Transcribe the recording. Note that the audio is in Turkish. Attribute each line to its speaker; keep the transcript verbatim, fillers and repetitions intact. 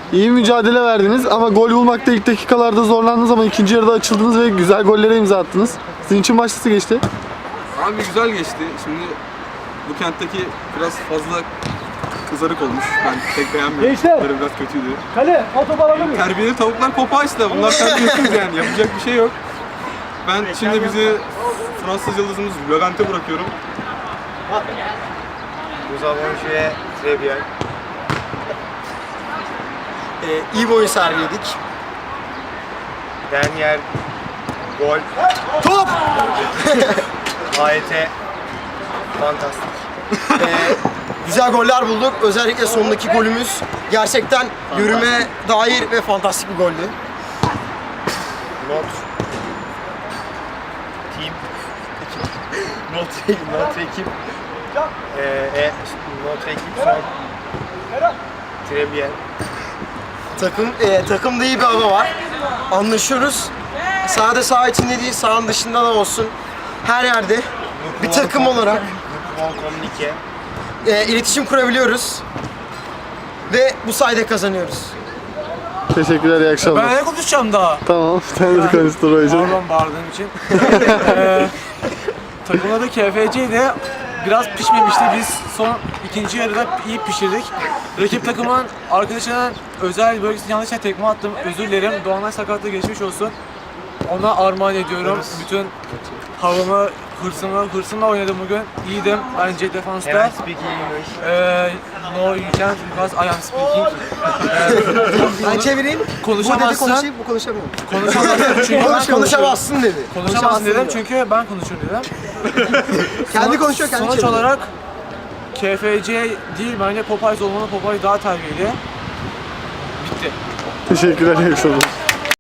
Speaker 1: İyi mücadele verdiniz ama gol bulmakta ilk dakikalarda zorlandınız ama ikinci yarıda açıldınız ve güzel gollere imza attınız. Sizin için maç nasıl geçti?
Speaker 2: Abi güzel geçti. Şimdi bu kentteki biraz fazla kızarık olmuş. Ben pek beğenmiyorum.
Speaker 3: Gençler!
Speaker 2: Bunları biraz kötüydü.
Speaker 3: Kale, fotoğraf alabilir miyim?
Speaker 2: Terbiyeli tavuklar Popeyes'da. Bunlar terbiyesiz yani. Yapacak bir şey yok. Ben şimdi bizi Fransız yıldızımız Levent'e bırakıyorum.
Speaker 4: Nous avons joué très bien. Ee, iyi bir oyun sergiledik. Dernier gol. Top! A Y T fantastik. Ee, güzel goller bulduk. Özellikle sondaki golümüz gerçekten yürüme dair ve fantastik bir goldü. Not team Not Not ekip ee, e, Not ekip son très bien. Takım, e, takımda iyi bir hava var. Anlaşıyoruz. Sahada saha içinde değil, sahanın dışında da olsun. Her yerde bir takım olarak e, iletişim kurabiliyoruz. Ve bu sayede kazanıyoruz.
Speaker 1: Teşekkürler, iyi akşamlar.
Speaker 3: Ben ne konuşacağım daha?
Speaker 1: Tamam, sen de konuştur hocam.
Speaker 3: Pardon bağırdığım için. ee, takımda da K F C'ydi. Biraz pişmemişti. Biz son ikinci yarıda iyi pişirdik. Rakip takımın arkadaşının özel bölgesine yanlışlıkla tekme attım. Özür dilerim. Doğanay sakatlığı geçmiş olsun. Ona armağan ediyorum. Bütün havamı, hırsımı, hırsımla oynadım bugün. İyiydim bence defansta.
Speaker 4: Can I speak English?
Speaker 3: Ee, no you can't because I am speaking. Ee,
Speaker 4: Ben çevireyim.
Speaker 3: Konuşamazsın.
Speaker 4: Bu dedi konuşayım, bu konuşamıyorum.
Speaker 3: Konuşamazsın çünkü ben
Speaker 4: Konuş, konuşamazsın dedi.
Speaker 3: Konuşamazsın dedim çünkü ben konuşurum dedim.
Speaker 4: Kendi konuşuyor, kendi
Speaker 3: Sonuç
Speaker 4: çeviriyor.
Speaker 3: olarak K F C değil bence Popeyes olmalı. Popeyes daha terbiyeli. Bitti.
Speaker 1: Teşekkürler, iyi akşamlar.